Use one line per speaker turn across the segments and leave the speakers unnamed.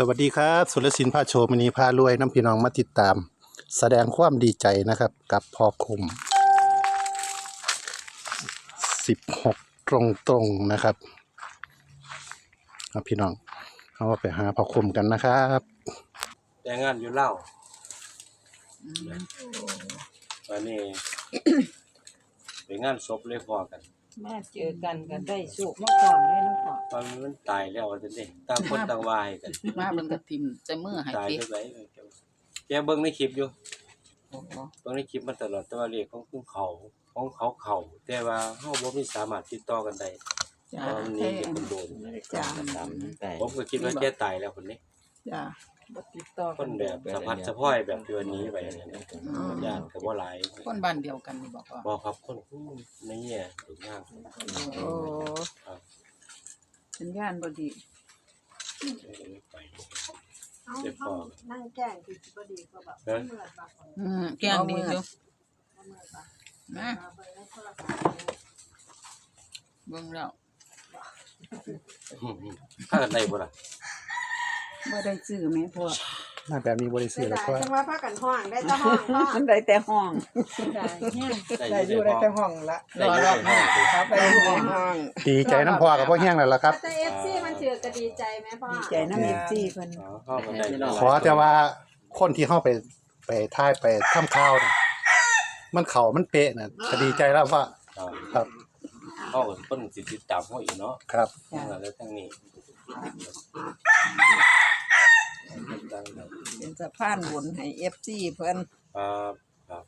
วัสดีครับสุรศิลป์พาโชว์มณีพารวยน้ำพี่น้องมาติดตาม แสดงความดีใจนะครับกับพ่อคม16ตรงๆนะครับพี่น้องเอาไปหาพ่อคมกันนะครับ
แต่งงานอยู่เล่าวันนี้ ไปงานศพเลยพอกัน
มาเจอกันกันได้สุขมาก่อนเลยนะพ่อ
ตอนมันตายแล้วจังซี่ต่างคนต่างวายกัน
มาเบิ่งกระทิมใจมือให้
ตาย
ติ
จังได๋แกเบิ่งในคลิปอยู่
โอ้โห
เบิ่งในคลิปมาตลอดแต่ว่าเลขของเขาแต่ว่าเฮาบ่มีสามารถติดต่อกันได้
จ้า
ตอนนี้เด็กคนโดน
จ้า
ผมก็คิดว่าแกตายแล้วคนนี้
จ้า
บ่ติดต่อ
คนแบบสะพัดสะพ้อยแบบที่วันนี้ไปอย่างนี้นะญาติก็บ่หลาย
คนบ้านเดียวกันนี่บอกว่า
บ่ครับคนในเนี่ยถึงมาก
โอ้สัญญาณบ่ดี
ไป
เอาเขานั่งแกล้งคือบ่ดีก็แบบเมื่อยปาก
แกงดีอยู่
เมื่อยปาก
นะ
เบิ่งในโทรศัพท์
เบิ่งแล้ว
ถ้ากันได้บ่ล่ะ
บ่ได้ซื้อแม่พ่อ
มาแบบมีบริสุทธิ์
ได้
แล้วก็
จังว่าพากันห้องได้แต่ห้องก็
มันได้แต่ห้องได้แฮง
ได้อยู่ได้แต่ห้องละได้อยู่ได้ห้องครับ
ได้แต่ห้อง
ดีใจน้ำพ่อกับพ่อแห้งแล้วล่ะครับ
แต่ FC มันถือก็ดีใจไหมพ่อ
ดีใจนำ FC เพิ่น
เข้ากันได้
ขอแต่ว่าคนที่เข้าไปท่ายไปทำข้าวน่ะมันเข่ามันเป๊ะน่ะก็ดีใจแล้วว่าครับ
เข้ากับคนสิติดตามเฮาอีกเนาะ
ครับ
แล้วทั้งนี้
เป็นสะพานบุญให้ FC เพิ่น
ครับ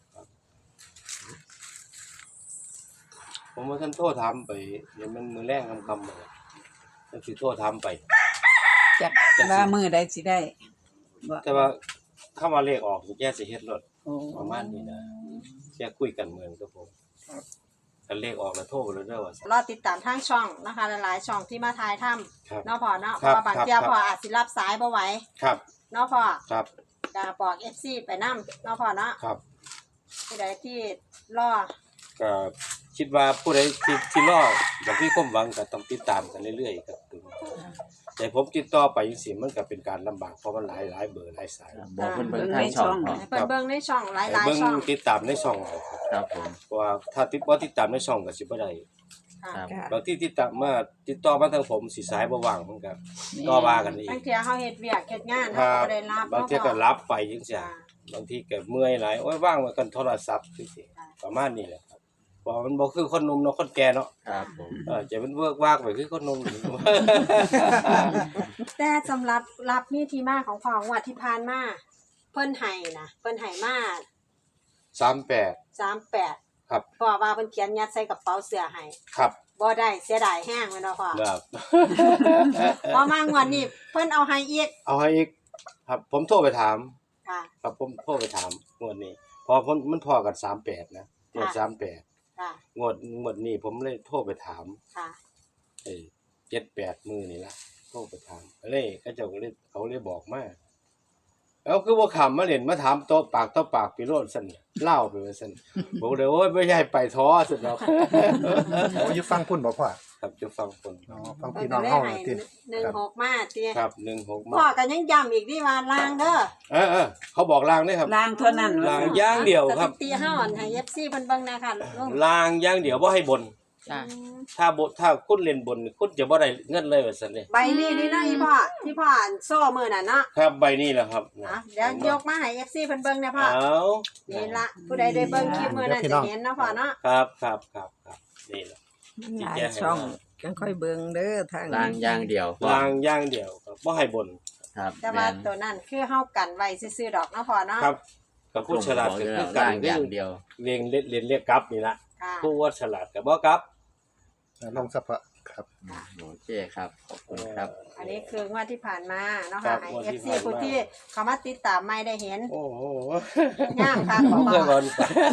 ผมว่าท่านโทษถามไปเดี๋ยวมันมือแรงคำเลยท่านสิโทษถามไป
จักว่ามื้อใดสิได้บ่
แต่ว่าเข้ามาเลขออกแกสิเฮ็ดรถ
โอ้
ประมาณนี้นะแกคุยกันเมืองกับผมกันเลขออกแล้วโทรไปเลยเด้อว่าร
อติดตามทางช่องนะคะหลายๆช่องที่มาถ่ายทำ
ครับ
เนาะพ่อเนาะเพราะว่าบางเที่ยพ่ออาจสิรับสายบ่ไหว
ครับ
เนาะพ่อ
ครับ
ก็บอก FC ไปนำเนาะพ่อเนาะ
ครับ
ผู้ใดที่รอ
ก็คิดว่าผู้ใดที่รออย่างที่ความหวังก็ต้องติดตามกันเรื่อยๆครับแต่ผมติดต่อไปจังซี่มันก็เป็นการลำบากเพราะมันหลายเบอร์หลายสาย
บอกเพิ่นเบิ่ง
ใน
ทางช่
ช่
อ
อง ง
ให้เพิ่นเบิ่งในช่องหลาย
เบิ่ง
ๆช่อง
ติดตามในช่องเอาครับ
ครับผม
เพราะว่าถ้าบ่ติดตามในช่องก็สิบ่ได้
ค่ะ
ครับ
ค่ะ
บางที่ติดต่อมาทางผมสิสายบ่ว่างมันก็ต่อว่ากันอีก
บางเที่ยเฮาเฮ็ดเวียกเฮ็ดงาน
ค
เฮา
รับ
บ่ได้รับบ
างทีก็รับไปจังซี่
จ้ะ
บางทีก็เมื่อยหลายโอ้ยว่างไว้กันโทรศัพท์จังซี่ประมาณนี้แหละครับเพราะมันบ่คือคนหนุ่มเนาะคนแก่เนาะ
ครับผม
จะเป็นเวิร์กว่างไปคือคนหนุ่ม
แต่สำหรับรับมีที่มาของพ่องวดที่ผ่านมาเพิ่นให้นะเพิ่นให้มา
38
38
ครับ
พ่อว่าเพิ่นเขียนยัดใส่กระเป๋าเสื้อให้
ครับ
บ่ได้เสียดายแฮงแม่นบ่พ่อ
ครับ
พอมางวดนี้เพิ่นเอาให้อีก
เอาให้อีกครับผมโทรไปถาม
ค่ะ
ครับผมโทรไปถามงวดนี้พอมันพอกัน38นะงวด
ค่ะ
38
ค่ะ
งวดนี้ผมเลยโทรไปถาม
ค่ะ
7-8 มื้อนี่ล่ะโทรไปถามเลยเขาเลยบอกมาแล้วคือบ่ค้ำมาเล่นมาถามโต๊ะปากต่อปากไปโลดซั่นเล่าไปว่าซั่นบอกเลยโอ้ยไม่ใช่ไปท้อซั่นดอก
โอ้ยฟังพุ่นบอกว่า
ครับจะฟังคน
อ๋อฟัง
เพิ่
พี่
น
น้
ก็
อง
เลย
เฮา
ให้
ติ
16มาติ
ครับ16มา
พ่อก็ยังย้ำอีกดิว่าลางเด้อ
เขาบอกลางด้วยครับ
ล้างเท่านั้น
ลางอย่างเดียวครับ
สถิติเฮาอันให้ FC เพิ่นเบิ่งแหน่ค่ะลุง
ลางอย่างเดียวบ่ให้บน
จ้า
ถ้าคุณเล่นบนคุณจะบ่ได้เงินเลยว่าซั่นเด้
ใบนี้นี่นะอีพ่อที่พ่ออ่านโซ่มื้อนั่นเนาะ
ครับใบนี้แหละครับ
อ่ะเดี๋ยวยกมาให้ FC เพิ่นเบิ่งแหน่พ่อ
เอา
นี่ละผู้ใดได้เบิ่งคลิปมื้อนั้นจะเห็นเนาะพ่อเนาะ
ครับนี่แหละ
หลายช่องจังค่อยเบิ่งเด้อทาง
ล้างอย่างเดียว
ลางอย่างเดียวครับบ่ให้บน
ครับ
แต่ว่าตัวนั้นคือเฮากันไว้ซื่อๆดอกเนาะพ่อเนาะ
ครับกับผู้ฉลาดก็คือกั
ล้าน งอย่างเดียว
เรียกกลับนี่ละ
ค่ะ
ผู้ว่าฉลาดก็บ่กลับ
ลองสัพพะครับ
โอเคครับขอบคุณครับ
อันนี้คืองวดที่ผ่านมาเนาะ
ครั
ค่ะ
บ
ให้
งวดที่
FC
ผ่านมา
ผู้ที่เข้ามาติดตามไม่ได้เห็น
โอ้โห
งามค่ะขอ
เคย
บบ อ
อก ล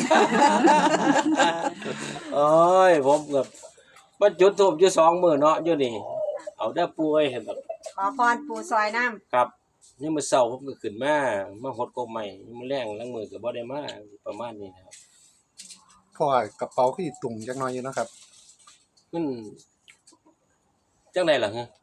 โอ้ยผมกับมันจุดทูบอยู่2มื้อเนาะอยู่นี่เอาได้ป่วยเห็นแบบ
ขอพรปู่ซอยน้ำ
ครับนี่มื้อเช้าผมก็ขึ้นมาหดกบใหม่มื้อแรงล้างมือก็บ่ได้มาประมาณนี้นะครับ
พ่อกระเป๋าคือตุ่มจักหน่อยอยู่นะครับ
มันจังได๋ล่ะฮะ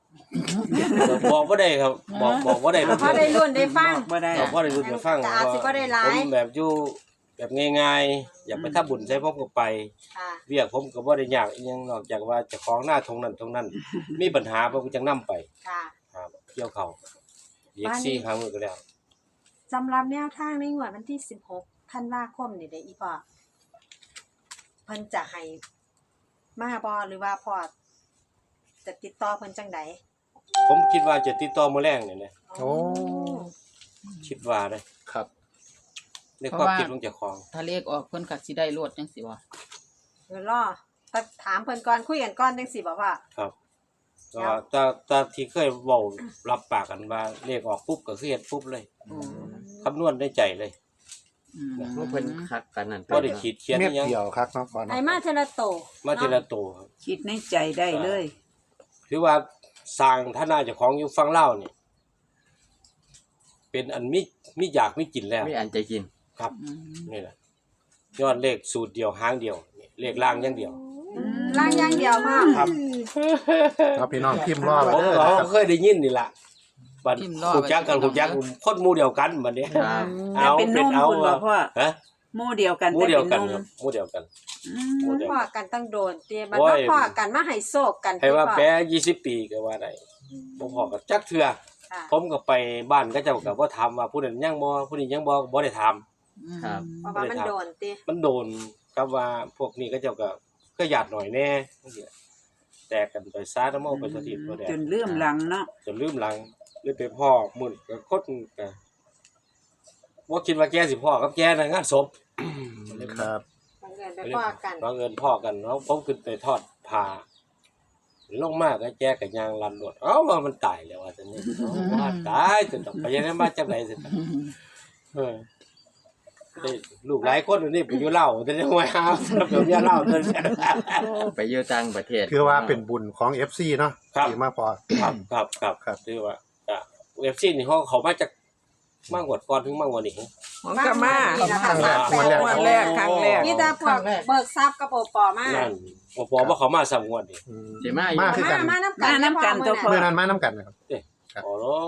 บอกบ่ได้ครับบอกบ่ได้
เพราะได้รุ่นได้ฟัง
บ่ได้
บอกบ่ได้รู้จะฟัง
แต่อาจสิบ่ได้หลาย
ผมแบบอยู่แบบง่ายๆอยากไปทำบุญใส่ผมก็ไป
ค่ะ
เวียกผมก็บ่ได้ยากอีหยังนอกจากว่าเจ้าของหน้าตรงนั้นมีปัญหาผมก็จังนำไป
ค่ะ
ครับเกี่ยวเขาเรียกซี่ครั้งก็แล้ว
สำหรับแนวทางในงวดวันที่16ธันวาคมนี่ได้อีพ่อเพิ่นจะให้มาบ่หรือว่าพ่อจะติดต่อเพิ่นจังใด
ผมคิดว่าจะติดต่อมื้อแรงนี่แหละ
โอ้
คิดว่าเด้
ครับ
ในความคิดของเจ้าของ
ถ้าเลขออกเพิ่นก็สิได้โลดจังซี่บ่
เดี๋ยวรอถามเพิ่นก่อนคุยกันก่อนจังสิบ่พ่อ
ครับก็ตาที่เคยเว้ารับปากกันว่าเลขออกปุ๊บก็คือเฮ็ดปุ๊บเลยคำนวณได้ใจเลย
ว่าเพิ่นคักกันนั่น
บ่ได้ขีดเขียน
เม็
อี
ด
หยัง
เดียวครับเนาะก่อน
ไอ้มาเทละโต
มาทีละตัวครับ
คิดในใจได้เลย
คือว่าสร้างฐานะเจ้าของอยู่ฝั่งลาวนี่เป็นอันมีอยากมีกินแล้ว
ไม่อันจะกิน
ครับนี่แหละยอดเลขสูตรเดียวหางเดียวนี่เลขล่างอย่างเดียว
ล่างอย่างเดียวพ่อ
ครับ
เอาพี่น้องพิมพ์รอไว้
ผม
เด้อ
เรา
นะครับ
เคยได้ยินนี่ล่ะบัดฮู้จักกันฮู้จักคนหมู่เดียวกันบัดนี้
ครับ
แต่เป็นนุ่มคุณบ่พ่อ
ฮะ
หมู่เดียวกัน
หมู่
แต่
เดียว
เป็น
กัน
นุ่ม
ครับหมู่เดียวกัน
อืม
หมู่เดียว
พ่อ
กัน
กันตั้งโดนเตียบัด
โอ้
มาย พ่อกันมาให้โศกกัน
ให้ว่า
พ่อ
แปร20 ปีก็ว่าได้บ่พอกับจักเทื่อ
ค่ะ
ผมก็ไปบ้านเขาเจ้าก็บ่ถามว่าผู้นั้นยังบ่ผู้นี้ยังบ่ได้ถาม
ครับ
เพราะว่ามันโดนติ
มันโดนกับว่าพวกนี้เขาเจ้าก็หยาดหน่อยแน่จังซี่แตกกันไปซาน้ำเอาไปสถิตบ่ได้
จนลืมหลังเนาะ
จนลืมหลังเลยไปพ่อมื้อก็คนก็บ่คิดว่าแกสิพ่อกับแกในะงานศพ
ครับ
บังเอิญไปพ่อกัน
บังเอิญพ่อกันเนาะผมขึ้นไปทอดผ้าลงมาก็แกก็ย่างลันรถเอ้าว่ามันตายแล้วว่าซั่นนี่ว่าตายจนต้องไปยังไงมาจังได๋ซั่นเออได้ลูกหลายคนอยู่นี่ไปอยู่ลาวแต่ยังว่าหาแบบเมียลาวซั่น
ไปอยู่ต่างประเทศ
คือว่าเป็นบุญของ FC เนาะ
ครับ
ที่มาพอ
ครับครับครับ
ครับ
คือว่าเว็บซีนี่เขามาจากมากกว่าก่อนถึงมากกว่านี้
ของกะมา
นี่ล่ะค่ะ
วันแรกครั้งแรก
มีแต่พวกเบิกทรัพย์กับโอปอมา
นั่นบ่พอว่าเขามาสามงวดนี่
อืม
สิมาอยู่
มาคือกัน
มาน้ำกัน
มาน้ำกันตัวพ่อ
เมื่อนั้นมาน้ำกันนะครับ ครับ
อ๋อเนาะ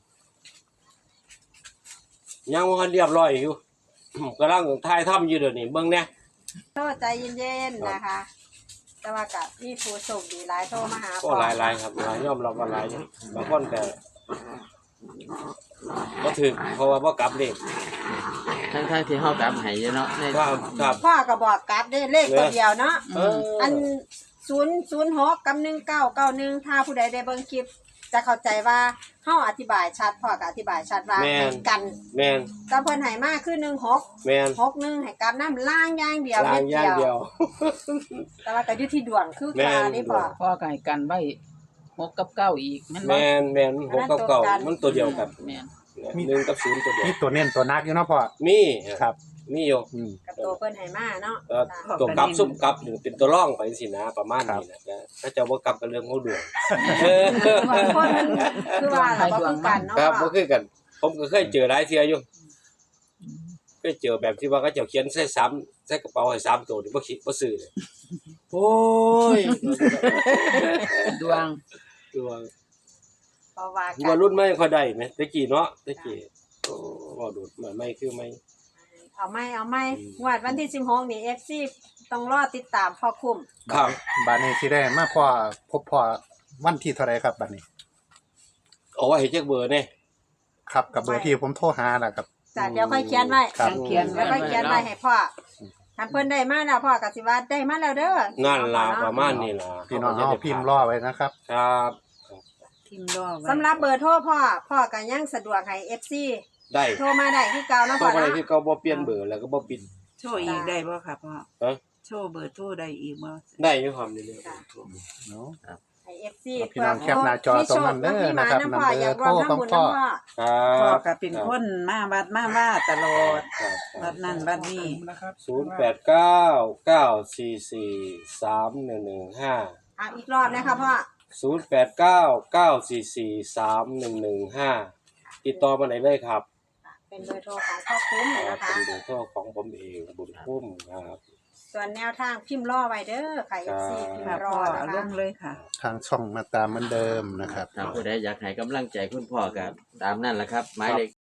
ยังบ่ทันเรียบร้อยอยู่ กำลังถ่ายทำอยู่เดี๋ยวนี้เบิ่งแหน่
โทษใจเย็นๆนะคะ แต่ว่าก็มีผู้โชคดีหลายโทรมาหา
ก็หลายๆครับหลายยอมรับว่าหลายอยู่บางคนก็บ่ถึกเพราะว่าบ่กลับเลข
ทั้งที่เฮากลับให้อยู่เนาะใน
ครับครับ
พ่อก็บอกกลับได้เลขตัวเดียวเนาะ
เออ
อัน006กับ1991ถ้าผู้ใดได้เบิ่งคลิป จะเข้าใจว่าเฮาอธิบายชัดพ่อก็อธิบายชัดว่าให้กัน
แม่น
แต่เพิ่นให้มาคือ16
แม่น
61ให้กลับน้ำล่างอย่างเดียว
ล้างอย่างเดียว
แต่ว่าก็อยู่ที่ดวงคือ
แม่
กาน นี่พ่อ
พ่อก็ให้กันไว้6กับ9อีกแม่นบ่
แม่น6กับ9มันตัวเดียวกัน
แม่น
1กับ0ตัวเดียว
มีตัวเน้นตัวนักอยู่เนาะพ่อ
มี
ครับ
มีอยู่
อืม
กับตัวเพิ่นให้มาเนาะ
ตัวกลับซุ่มกลับหนึ่งเป็นตัวร่องไปสินะประมาณนี้นะถ้าเจะว่ากลับกันเรื่องเขาดวง
บางคนมันคือว่าเราบ่คือกันเนาะ
ครับ
พ่
ก็
อ
คือกัน ผมก็เคยเจอหลายเทื่ออยู่เคยเจอแบบที่ว่าเขาเจ้าเขียนใส่3ใส่กระเป๋าให้3ตัวนี่บ่คิดบ่ซื้อเลยโอ้ย
ดวง
ตัว
เพราะว่ากั
ว่าน รุ่นไม่ค่อยได้แหมตะกี้เนาะตะกี้โอ้บ่ดูดไม่คือไม่
เอาไม่งวดวันที่16นี่ FC ต้องรอติดตามพ่อคุ้ม
ครับ
บัดนี้สิได้มาพ่อพบพ่อวันที่เท่าไหร่ครับบัดนี้
เอาไว้ให้จักเบอร์แน่
ครับกับเบอร์ที่ผมโทรหาน่ะครับ
จ้ะเดี๋ยวค่อยเขียนไว้
ครับ
เขียน
เดี๋ยวค่อยเขียนไว้ให้พ่อถ้าเพิ่นได้มาแล้วพ่อก็สิว่าได้มาแล้วเด้อ
นั่นล่ะประมาณนี้ล่ะ
พี่น้องเอาพิมพ์รอไว้นะครับ
ครับ
พิมพ์รอไว้
สำหรับเบอร์โทรพ่อก็ยังสะดวกให้ FC
ได้
โทรมาได้คือเก่าเนาะ
เพ
พ่อ
ราะอะไร
เนาะ
ที่เขาบ่เปลี่ยนเบอร์แล้วก็บ่ปิด
โชว์อีกได้บ่ครับพ่อ
เอ้ย
โชว์เบอร์โทรได้อีกบ่
ได้อยู่ความนี้เลย
เนาะ
ให้ FC
พี่น้องแคปหน้าจอตรงนั้นเด้อนะครับ
มีโชพ่ออยากร่วมทำบุญ
พ่อ
นำพ่อ
ค
พ่อ
รับ
ก็เป็นคนมาวัดมาว่าตลอด
ครับ
วัดนั่นวัดนี้
089-944-3115
อีกรอบนะคะพ่อ
089-944-3115ติดต่อมาได้เลยครับ
เป็นเบอร์โทรของพ่อคุ้มนะคะ
เป็นเบอร์โทรของผมเองบุญคุ้มครับ
ส่วนแนวทางพิมพ์รอไว้เด้อค่ะ FC พิม
ค่ะ
พ์ร
พ่
อ
อ
นะ
เอาล
คะ
งเลยค่ะ
ทางช่องมาตามเหมือนเดิมนะครับ
ถ้าผู้ใดอยากให้กำลังใจคุณพ่อก็ตามนั่นแหละครับหมายเลข